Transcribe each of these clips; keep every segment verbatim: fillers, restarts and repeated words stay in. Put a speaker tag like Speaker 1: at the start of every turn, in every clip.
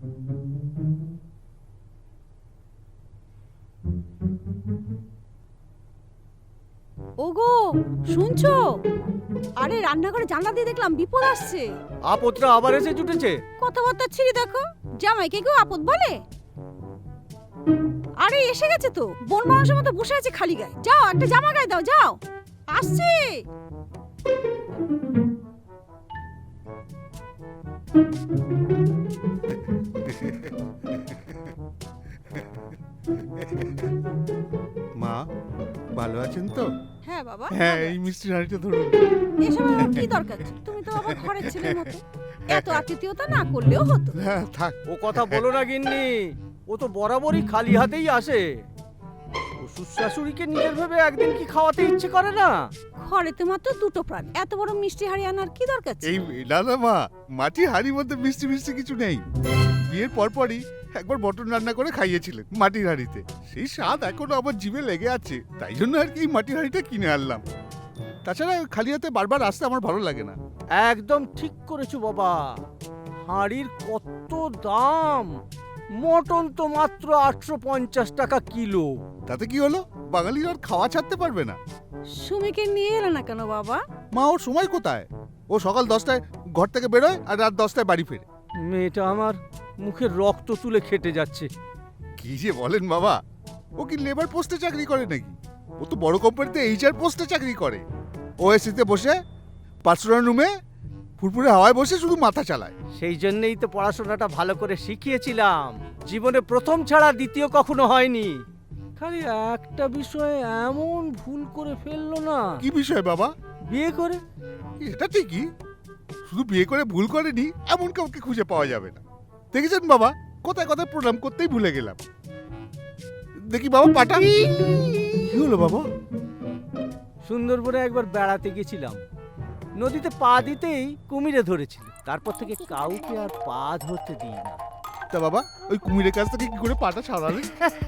Speaker 1: ওগো শুনছো? আরে রান্নাঘরে জানলা দিয়ে দেখলাম বিপদ আসছে।
Speaker 2: আপদটা আবার এসে জুটেছে।
Speaker 1: কথাবার্তা ছিড়ি দেখো, জামাইকে কেউ আপদ বলে? আরে এসে গেছে তো, বন মানুষের মতো বসে আছে খালি গায়ে। যাও একটা জামা গায়ে দাও, যাও। আসছে।
Speaker 3: মা ভালো আছেন তো?
Speaker 1: হ্যাঁ বাবা।
Speaker 3: হ্যাঁ, এই মিষ্টির হাঁড়িটা ধরুন।
Speaker 1: এসব আমার কি দরকার ছিল? তুমি তো আমার ঘরের ছেলের মতো, এত আতিথেয়তা না করলেও হতো।
Speaker 3: হ্যাঁ থাক।
Speaker 2: ও কথা বলো না গিন্নি, ও তো বরাবরই খালি হাতেই আসে। শ্বশুর শাশুড়িকে নিজের ভেবে একদিন কি খাওয়াতে ইচ্ছে করে না?
Speaker 1: ঘরেতে মাত্র দুটো প্রাণ, এত বড় মিষ্টি হাড়ি আনার কি দরকার ছিল?
Speaker 3: এই না না মা, মাটির হাঁড়ির মধ্যে মিষ্টি মিষ্টি কিছু নেই। বিয়ের পরপরই একবার মটন রান্না করে খাইয়েছিলেন মাটির হাঁড়িতে, সেই স্বাদ এখনো আমার জিভে লেগে আছে। তাই জন্য আর কি এই মাটির হাঁড়িটা কিনে আনলাম। তাছাড়া খালি হাতে বারবার আসতে আমার ভালো লাগে না।
Speaker 2: একদম ঠিক করেছো বাবা। হাঁড়ির কত দাম! মটন তো মাত্র আটশো পঞ্চাশ টাকা কিলো।
Speaker 3: তাতে কি হলো, বাঙালির আর খাওয়া ছাড়তে পারবে না?
Speaker 1: সুমিকে নিয়ে এলো না কেন বাবা?
Speaker 3: মা ওর সময় কোথায়? ও সকাল দশটায় ঘর থেকে বেরোয় আর রাত দশটায় বাড়ি ফেরে।
Speaker 2: মেয়েটা আমার মুখের রক্ত তুলে খেটে যাচ্ছে।
Speaker 3: কি যে বলেন বাবা, ও কি লেবার পোস্টে চাকরি করে নাকি? ও তো বড় কোম্পানিতে এইচআর পোস্টে চাকরি করে। ওএসিতে বসে পার্সোনাল রুমে ফুরফুরে হাওয়ায় বসে শুধু মাথা চালায়।
Speaker 2: সেই জন্যই তো পড়াশোনাটা ভালো করে শিখিয়েছিলাম। জীবনে প্রথম ছাড়া দ্বিতীয় কখনো হয়নি। খালি একটা বিষয়ে এমন ভুল করে ফেললো না।
Speaker 3: কি বিষয় বাবা?
Speaker 2: বিয়ে করে।
Speaker 3: এটা ঠিকই, শুধু বিয়ে করে ভুল করেনি এমন কাউকে খুঁজে পাওয়া যাবে না। দেখেছেন বাবা, কোথায় কোথায় প্রণাম করতেই ভুলে গেলাম। দেখি বাবা পাটা। কি হলো বাবা?
Speaker 2: সুন্দরবনে একবার বেড়াতে গেছিলাম, নদীতে পা দিতেই কুমিরে ধরেছিল। তারপর থেকে কাউকে আর পা ধরতে দিই না।
Speaker 3: তা বাবা, ওই কুমিরের কাছ থেকে কি করে পাটা ছাড়ালে?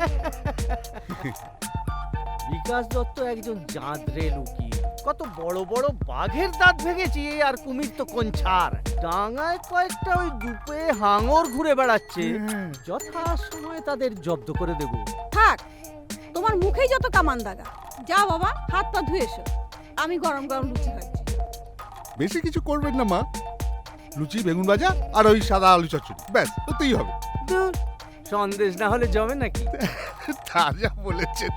Speaker 2: বিকাশ দত্ত একজন জাঁদরে লুকি। কত বড় বড় বাঘের দাঁত ভেঙেছি, আর কুমির তো কোন ছাড়। ডাঙায় কয়েকটা ওই ডুবে হাঙর ঘুরে বেড়াচ্ছে। যথা সময় তাদের জব্দ করে দেব।
Speaker 1: থাক, তোমার মুখেই যত কামান দাগা। যাও বাবা, হাত পা ধুয়ে এসো, আমি গরম গরম লুচি খাচ্ছি।
Speaker 3: বেশি কিছু করবেন না মা, লুচি বেগুন ভাজা আর ওই সাদা আলু চচ্চড়ি, ব্যাস ওতেই হবে।
Speaker 2: ধুর, সন্দেশ না হলে জমে নাকি?
Speaker 3: তা যা বলেছেন।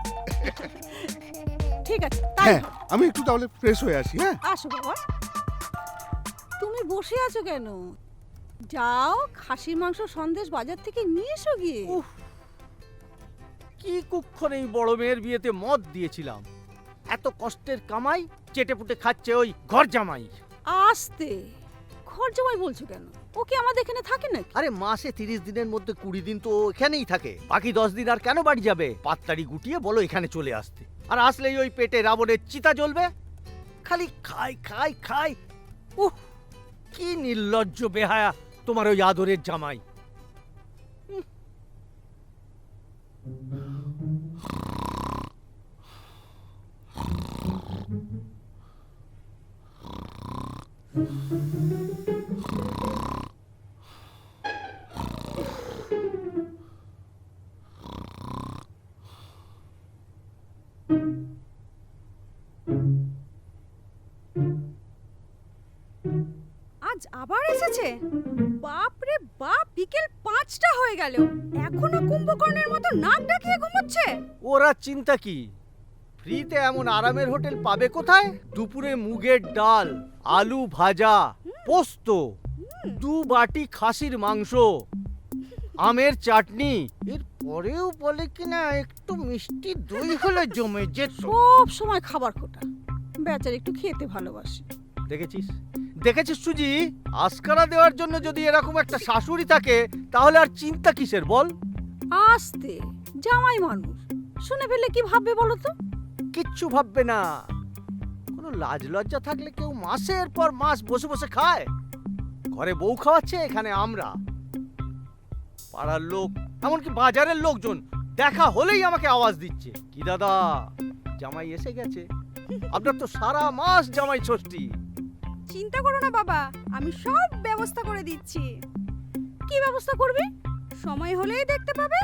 Speaker 1: ঠিক আছে, তাই
Speaker 3: হ্যাঁ,
Speaker 1: হোক।
Speaker 3: আমি একটু তাহলে ফ্রেশ হয়ে আসি। হ্যাঁ
Speaker 1: আসো বাবা। তুমি বসে আছো কেন? যাও খাসির মাংস সন্দেশ বাজার থেকে নিয়ে এসো গিয়ে।
Speaker 2: উফ, কি কুক্ষণ এই বড় মেয়ের বিয়েতে মদ দিয়েছিলাম। এত কষ্টের কামাই চেটে পুটে খাচ্ছে ওই ঘর জামাই।
Speaker 1: আস্তে, ঘর জামাই বলছো কেন? ও কি আমাদের এখানে থাকে নাকি?
Speaker 2: আরে মাসে তিরিশ দিনের মধ্যে কুড়ি দিন তো এখানেই থাকে, বাকি দশ দিন আর কেন বাড়ি যাবে? পাততাড়ি গুটিয়ে বলো এখানে চলে আসতে, আর আসলেই ওই পেটে রাবণের চিতা জ্বলবে। খালি খাই খাই খাই। উহ, কি নির্লজ্জ বেহায়া তোমার ওই আদরের জামাই।
Speaker 1: আজ আবার এসেছে? বাপ রে বাপ, বিকেল পাঁচটা হয়ে গেল, এখনো কুম্ভকর্ণের মতো নাক ডাকিয়ে ঘুমোচ্ছে।
Speaker 2: ওরা চিন্তা কি, ফ্রিতে এমন আরামের হোটেল পাবে কোথায়? দুপুরে মুগের ডাল, আলু ভাজা, পোস্ত, দু বাটি খাসির মাংস, আমের চাটনি, এর পরেও বলে কিনা একটু মিষ্টি দই হলে জমে যেত।
Speaker 1: সব সময় খাবার খোটা, বেচার একটু খেতে ভালোবাসে।
Speaker 2: দেখেছিস দেখেছিস সুজি, আস্কারা দেওয়ার জন্য যদি এরকম একটা শাশুড়ি থাকে তাহলে আর চিন্তা কিসের বল?
Speaker 1: আস্তে, জামাই মানুষ, শুনে ফেললে কি ভাববে বলো তো?
Speaker 2: কিচ্ছু ভাববে না। কোনো লাজ লজ্জা থাকলে কেউ মাসের পর মাস বসে বসে খায়? ঘরে বউ খাওয়াচ্ছে, এখানে আমরা। পাড়ার লোক, এমনকি বাজারের লোকজন দেখা হলেই আমাকে আওয়াজ দিচ্ছে, কি দাদা জামাই এসে গেছে। আপনার তো সারা মাস জামাই ষষ্ঠী।
Speaker 1: চিন্তা করো না বাবা, আমি সব ব্যবস্থা করে দিচ্ছি। কি ব্যবস্থা করবে? সময় হলেই দেখতে পাবে।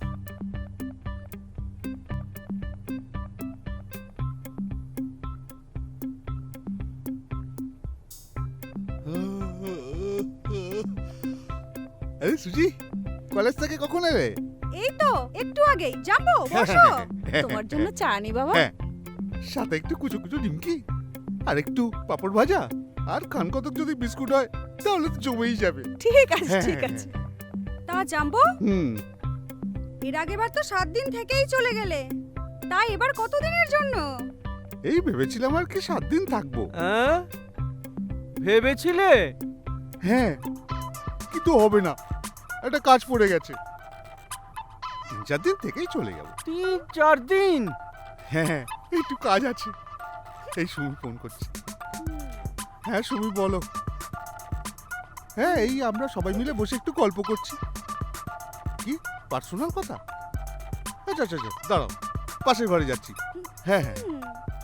Speaker 3: আরে সুজি, কলেজ থেকে কখন এলে?
Speaker 1: এই তো একটু আগেই। যাবো, বসো। তোমার জন্য চা নি বাবা।
Speaker 3: হ্যাঁ, সাথে একটু কুচো কুচো নিমকি আর একটু পাপড় ভাজা আর খান কতক যদি বিস্কুট হয় তাহলে তো জমেই যাবে।
Speaker 1: ঠিক আছে,
Speaker 3: হ্যাঁ,
Speaker 1: ঠিক
Speaker 3: হ্যাঁ,
Speaker 1: আছে। তা জাম্বো,
Speaker 3: হুম,
Speaker 1: এর আগেবার তো সাত দিন থেকেই চলে গেলে, তাই এবার কতদিনের জন্য?
Speaker 3: এই ভেবেছিলাম আর কি সাত দিন থাকবো।
Speaker 2: হ্যাঁ ভেবেছিলে?
Speaker 3: হ্যাঁ, কিন্তু হবে না, একটা কাজ পড়ে গেছে। তিন চার দিন থেকেই চলে যাব।
Speaker 2: তিন চার দিন?
Speaker 3: হ্যাঁ, একটু কাজ আছে। এই সুমি ফোন করছে। হ্যাঁ সুমি বলো। হ্যাঁ, এই আমরা সবাই মিলে বসে একটু গল্প করছি। কি পার্সোনাল কথা? আচ্ছা আচ্ছা আচ্ছা, দাঁড়াও, পাশের ঘরে যাচ্ছি। হ্যাঁ হ্যাঁ।
Speaker 1: হুম,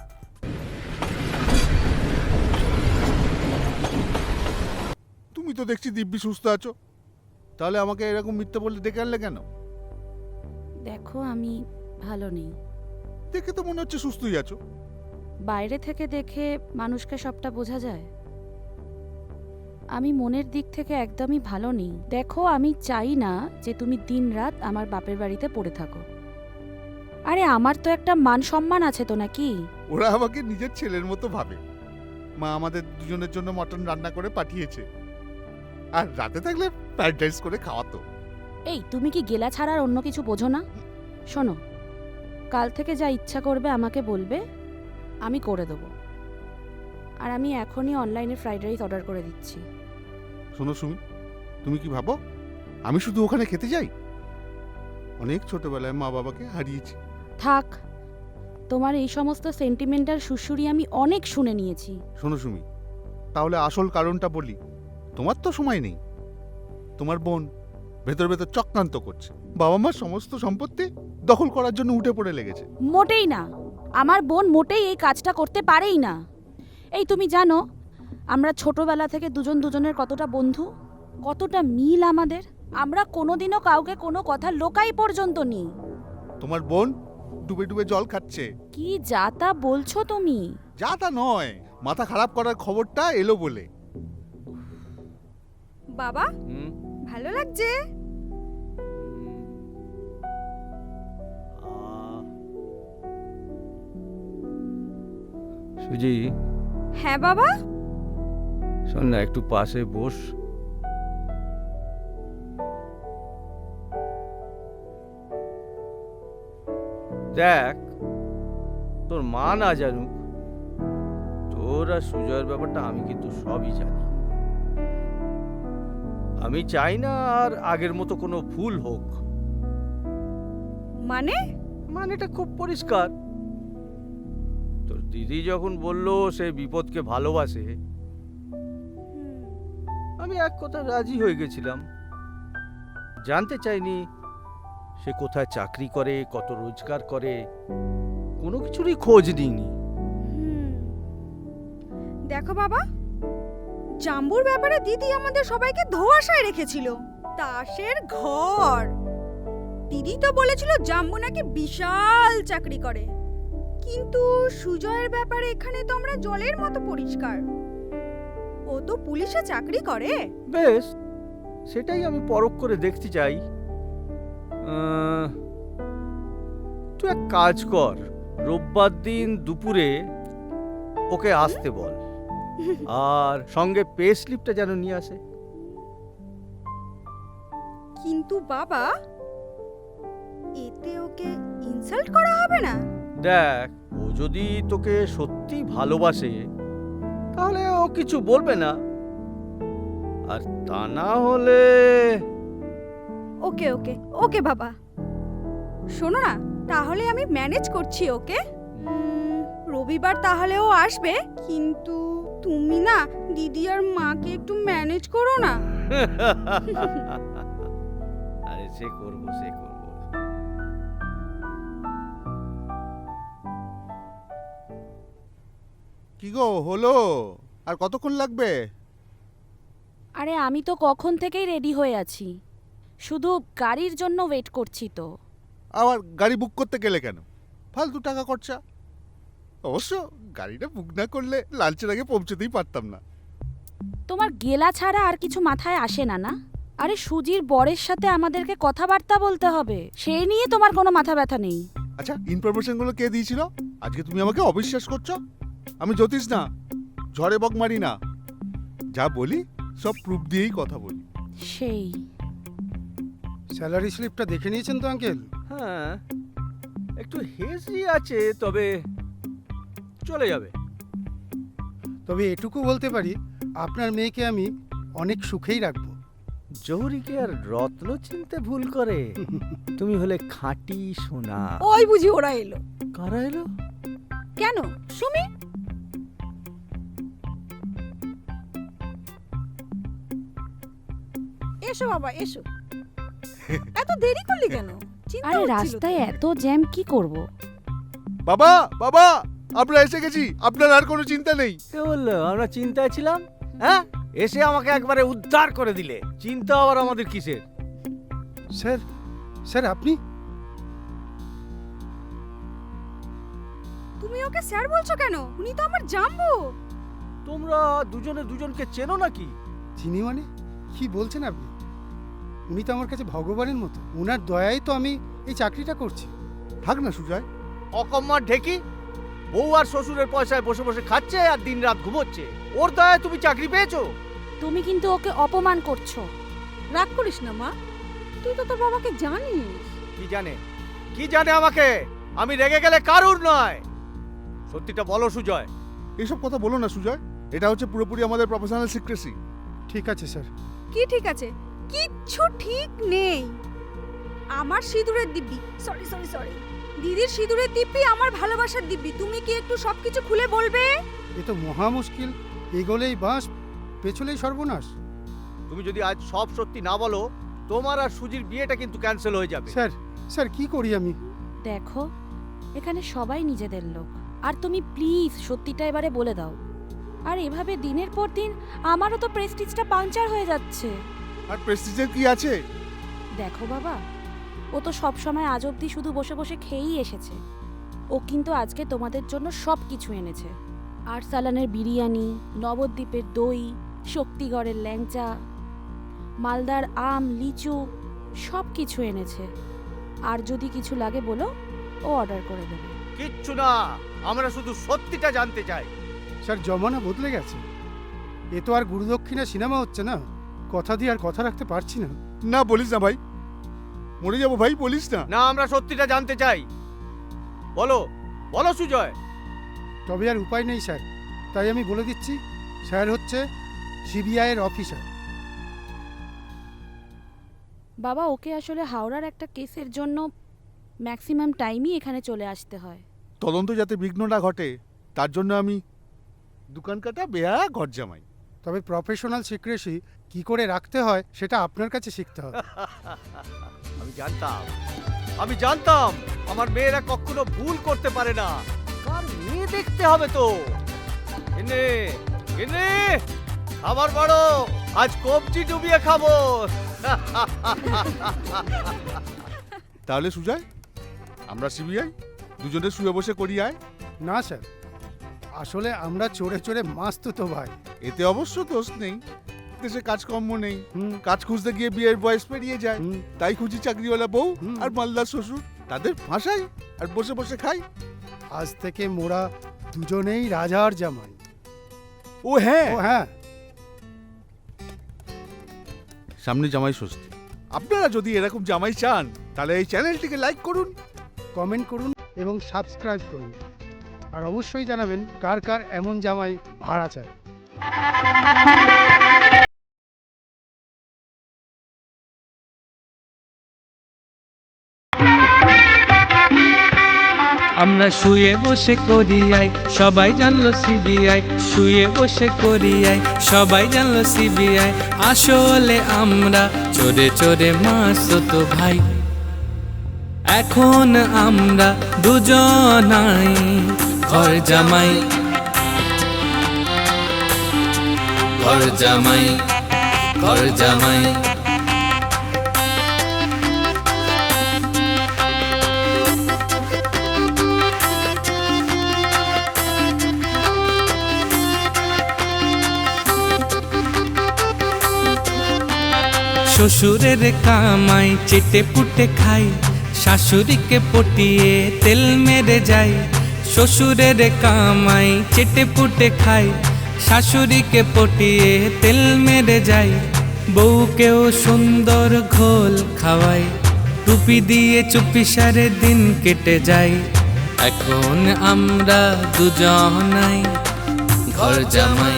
Speaker 3: তুমি তো দেখছি দিব্যি সুস্থ আছো, তাহলে আমাকে এরকম মিথ্যে বলে ডেকে আনলে কেন?
Speaker 4: দেখো আমি ভালো নেই।
Speaker 3: দেখে তো মনে হচ্ছে সুস্থই আছো।
Speaker 4: বাইরে থেকে দেখে মানুষকে সবটা বোঝা যায়। আমি মনের দিক থেকে একদমই ভালো নেই। দেখো আমি চাই না যে তুমি দিনরাত আমার বাপের বাড়িতে পড়ে থাকো। আরে আমার তো একটা মান সম্মান আছে তো নাকি?
Speaker 3: ওরা আমাকে নিজের ছেলের মতো ভাবে। মা আমাদের দুজনের জন্য মটন রান্না করে পাঠিয়েছে, আর রাতে থাকলে ফ্রাইড রাইস করে খাওয়াতো।
Speaker 4: এই তুমি কি গেলা ছাড়ার অন্য কিছু বোঝো না? শোনো, কাল থেকে যা ইচ্ছা করবে আমাকে বলবে, আমি করে দেবো। আর আমি এখনই অনলাইনে ফ্রাইড রাইস অর্ডার করে দিচ্ছি।
Speaker 3: শোনো সুমি, তুমি কি ভাবো আমি শুধু ওখানে খেতে যাই? অনেক ছোটবেলায় মা বাবাকে হারিয়েছি।
Speaker 4: থাক, তোমার এই সমস্ত সেন্টিমেন্টাল সুশুরি আমি অনেক শুনে নিয়েছি।
Speaker 3: শোনো সুমি, তাহলে আসল কারণটা বলি। তোমার তো সময় নেই। তোমার বোন ভেতর ভেতর চক্রান্ত করছে, বাবা মার সমস্ত সম্পত্তি দখল করার জন্য উঠে পড়ে লেগেছে।
Speaker 4: মোটেই না, আমার বোন মোটেই এই কাজটা করতে পারেই না। এই তুমি জানো আমরা ছোটবেলা থেকে দুজন দুজনের কতটা বন্ধু, কতটা মিল আমাদের। আমরা কোনোদিনও কাউকে কোনো কথা লোকাই পর্যন্ত নি।
Speaker 3: তোমার বোন ডুবে ডুবে জল খাচ্ছে।
Speaker 4: কি যা তা বলছো তুমি?
Speaker 3: যা তা নয়, মাথা খারাপ করার খবরটা এলো বলে।
Speaker 1: বাবা
Speaker 2: হুম,
Speaker 1: ভালো লাগছে?
Speaker 2: আহ, সুজি,
Speaker 1: হ্যাঁ বাবা।
Speaker 2: শোন না, একটু পাশে বস। দেখ, তোর মা না জানুক, তোর আর সুজয়ের ব্যাপারটা আমি কিন্তু সবই জানি। আমি চাই না আর আগের মতো কোনো ভুল হোক।
Speaker 1: মানে?
Speaker 2: মানেটা খুব পরিষ্কার। তোর দিদি যখন বলল সে বিপদকে ভালোবাসে, আমি এক কথা রাজি হয়ে গেছিলাম। জানতে চাইনি সে কোথায় চাকরি করে, কত রোজগার করে, কোনো কিছুরই খোঁজ নিইনি।
Speaker 1: হুম। দেখো বাবা, জাম্বুর ব্যাপারে দিদি আমাদের সবাইকে ধোঁয়াশায় রেখেছিল। তাসের ঘর। দিদি তো বলেছিল জাম্বু নাকি বিশাল চাকরি করে, কিন্তু সুজয়ের ব্যাপারে এখানে তো আমরা জলের মতো পরিষ্কার। ও তো পুলিশে চাকরি করে।
Speaker 2: বেশ, সেটাই আমি পরখ করে দেখতে চাই। আহ, তুই এক কাজ কর, রোববার দিন দুপুরে ওকে আসতে বল, আর সঙ্গে পে স্লিপটা যেন নিয়ে আসে।
Speaker 1: কিন্তু বাবা, এতে ওকে ইনসাল্ট করা হবে না?
Speaker 2: দেখ, ও যদি তোকে সত্যি ভালোবাসে তাহলে ও কিছু বলবে না, আর তা না হলে
Speaker 1: ওকে ওকে ওকে বাবা। শোনো না, তাহলে আমি ম্যানেজ করছি ওকে। উম, রবিবার তাহলে ও আসবে, কিন্তু তুমি না দিদি আর মাকে একটু ম্যানেজ করো না।
Speaker 2: আরে সে করবো, সে করবো।
Speaker 3: কি গো হলো? আর কতক্ষণ লাগবে?
Speaker 4: আরে আমি তো কখন থেকেই রেডি হয়ে আছি। শুধু গাড়ির জন্য ওয়েট করছি তো।
Speaker 3: আবার গাড়ি বুক করতে গেলে কেন? ফালতু টাকা খরচা। অবশ্য গাড়িটা বুক না করলে লাঞ্চের আগে পৌঁছতেই পারতাম না।
Speaker 4: তোমার গেলা ছাড়া আর কিছু মাথায় আসে না না? আরে সুজির বরের সাথে আমাদেরকে কথাবার্তা বলতে হবে, সেই নিয়ে তোমার কোনো মাথা ব্যথা নেই।
Speaker 3: আচ্ছা, ইনফরমেশনগুলো কে দিয়েছিল? আজকে তুমি আমাকে অবিশ্বাস করছো? আমি জ্যোতিষ না, ঝড়ে বক মারি না। যা বলি সব প্রুফ দিয়েই কথা বলি।
Speaker 4: সেই
Speaker 5: স্যালারি স্লিপটা দেখে নিয়েছেন তো আঙ্কেল?
Speaker 2: হ্যাঁ, একটু হেজি আছে, তবে চলে যাবে।
Speaker 5: তবে এটুকু বলতে পারি, আপনার মেয়েকে আমি অনেক সুখেই রাখবো।
Speaker 2: জহুরিকে আর রত্ন চিনতে ভুল করে। তুমি হলে খাঁটি সোনা।
Speaker 1: ওই বুঝি ওরা এলো।
Speaker 2: কারা এলো?
Speaker 1: কেন সুমি? এসো বাবা এসো। এত দেরি করলি কেন? চিন্তা
Speaker 4: আরে
Speaker 1: হচ্ছিল তো।
Speaker 4: রাস্তায় এত জ্যাম কি করব?
Speaker 3: বাবা বাবা, আমরা এসে গেছি, আপনার আর কোনো চিন্তা নেই।
Speaker 2: কে বললো আমরা চিন্তায় ছিলাম? হ্যাঁ, এসে আমাকে একবারে উদ্ধার করে দিলে। চিন্তা আবার আমাদের কিসের?
Speaker 5: স্যার, স্যার আপনি?
Speaker 1: তুমি ওকে স্যার বলছো কেন? উনি তো আমার জাম্বু।
Speaker 2: তোমরা দুজনে দুজনকে চেনো নাকি?
Speaker 5: চিনি মানে? কি বলছেন আপনি? উনি তো আমার কাছে ভগবানের মতো। ওনার দয়াই তো আমি এই চাকরিটা করছি।
Speaker 3: থাক না সুজয়।
Speaker 2: অকম্মার ঢেকি, বউ আর শ্বশুরের পয়সায় বসে বসে খাচ্ছে আর দিন রাত ঘুমোচ্ছে। ওর দয়ায় তুমি চাকরি পেয়েছো?
Speaker 4: তুমি কিন্তু ওকে অপমান করছো।
Speaker 1: রাগ করিস না মা, তুই তো তোর বাবাকে জানিস।
Speaker 2: কি জানে? কি জানে আমাকে? আমি রেগে গেলে কারুর নয়। সত্যিটা বলো সুজয়।
Speaker 3: এসব কথা বলো না সুজয়, এটা হচ্ছে পুরোপুরি আমাদের প্রফেশনাল সিক্রেসি।
Speaker 5: ঠিক আছে স্যার।
Speaker 1: কি ঠিক আছে? কিচ্ছু ঠিক নেই। আমার সিঁদুরের দিব্যি, সরি সরি সরি, দিদির সিঁদুরের দিব্যি আমার ভালোবাসার দিব্যি। তুমি কি একটু সবকিছু খুলে বলবে?
Speaker 5: এ তো মহা মুশকিল। এগোলেই বাঁশ, পেছলেই সর্বনাশ।
Speaker 2: তুমি যদি আজ সব সত্যি না বলো, তোমার আর সুজির বিয়েটা কিন্তু ক্যান্সেল হয়ে যাবে।
Speaker 5: স্যার, স্যার কি করি আমি?
Speaker 4: দেখো, এখানে সবাই নিজেদের লোক, আর তুমি প্লিজ সত্যিটা এবারে বলে দাও। আর এভাবে দিনের পর দিন আমারও তো প্রেস্টিজটা পাংচার হয়ে যাচ্ছে।
Speaker 3: আর প্রেস্টিজের কি আছে?
Speaker 4: দেখো বাবা, ও তো সব সময় আজ অবধি শুধু বসে বসে খেয়েই এসেছে। ও কিন্তু আজকে তোমাদের জন্য সব কিছু এনেছে। আরসালানের বিরিয়ানি, নবদ্বীপের দই, শক্তিগড়ের ল্যাংচা, মালদার আম, লিচু, সব কিছু এনেছে। আর যদি কিছু লাগে বলো, ও অর্ডার করে দেবে।
Speaker 2: কিচ্ছু না, আমরা শুধু সত্যিটা জানতে চাই।
Speaker 5: স্যার, জমানা বদলে গেছে। এ তো আর গুরুদক্ষিণা সিনেমা হচ্ছে না। কথা দিয়ে আর কথা রাখতে পারছি না।
Speaker 3: না বলিস না ভাই, মরে যাবো ভাই, বলিস না।
Speaker 2: না, আমরা সত্যিটা জানতে চাই। বলো বলো সুজয়।
Speaker 5: তবে আর উপায় নেই স্যার, তাই আমি বলে দিচ্ছি, স্যার হচ্ছে সিবিআই এর অফিসার।
Speaker 4: বাবা, ওকে আসলে হাওড়ার একটা কেসের জন্য ম্যাক্সিমাম টাইমই এখানে চলে আসতে হয়।
Speaker 3: তদন্ত যাতে বিঘ্ন না ঘটে তার জন্য আমি দোকান কাটা বেয়া ঘর জামাই।
Speaker 5: তবে প্রফেশনাল সিক্রেসি কি করে রাখতে হয় সেটা আপনার কাছে শিখতে হবে।
Speaker 2: আমি জানতাম, আমি জানতাম আমার মেয়েরা কখনো ভুল করতে পারে না। কার মেয়ে দেখতে হবে তো। এনে এনে খাবার বড়, আজ কবজি ডুবিয়ে খাবো।
Speaker 3: তাহলে সুজয়, আমরা সিবিআই দুজনে শুয়ে বসে করি আয়।
Speaker 5: না স্যার, আসলে আমরা চড়ে চড়ে মাস্ত তো ভাই।
Speaker 3: এতে অবশ্য দোষ নেই, দেশে কাজকর্ম নেই,
Speaker 5: হুম,
Speaker 3: কাজ খুঁজতে গিয়ে বিয়ের বয়স পেরিয়ে যায়,
Speaker 5: হুম,
Speaker 3: তাই খুঁজি চাকরিওয়ালা বউ
Speaker 5: হুম।
Speaker 3: আর মালদার শ্বশুর, তাদের ফাঁসাই আর বসে বসে খাই।
Speaker 5: আজ থেকে মোরা দুজনেই রাজার জামাই।
Speaker 3: ও হ্যাঁ,
Speaker 5: ও হ্যাঁ,
Speaker 3: সামনে জামাই ষষ্ঠী। আপনারা যদি এরকম জামাই চান তাহলে এই চ্যানেলটিকে লাইক করুন,
Speaker 5: কমেন্ট করুন এবং সাবস্ক্রাইব করুন। আর অবশ্যই জানাবেন কার কার এমন জামাই ভাড়া চায়।
Speaker 6: আমরা শুয়ে বসে করি আই, সবাই জানলো সিবিআই। শুয়ে বসে করি আই, সবাই জানলো সিবিআই। আসলে আমরা চোরে চোরে মাসতো ভাই। এখন আমরা দুজনাই ঘর জামাই, ঘর জামাই, ঘর জামাই। শ্বশুরের কামাই চেটে পুটে খাই, শাশুড়িকে পটিয়ে তেল মেরে যাই। শ্বশুরের কামাই চেটে পুটে খাই, শাশুড়িকে পটিয়ে তেল মেরে যাই। বউকেও সুন্দর ঘোল খাওয়াই, টুপি দিয়ে চুপি সারে দিন কেটে যায়। এখন আমরা দুজনাই ঘর জামাই,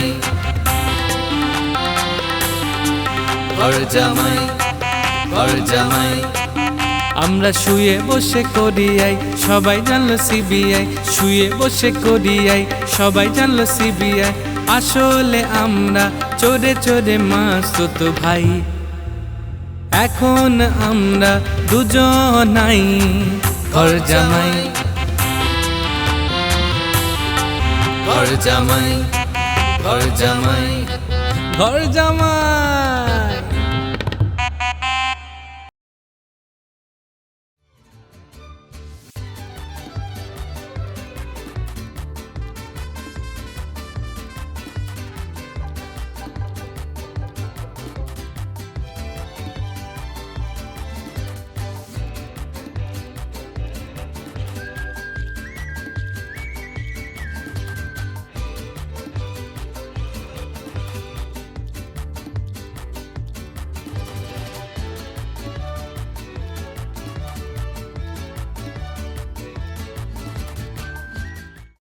Speaker 6: ঘর জামাই, ঘর জামাই। আমরা শুয়ে বসে করিয়াই, সবাই জানলো সিবিআই। শুয়ে বসে করিয়াই, সবাই জানলো সিবিআই। আসলে আমরা চোরে চোরে মাসুত ভাই। এখন আমরা দুজনাই ঘর জামাই, ঘর জামাই, ঘর জামাই, ঘর জামাই।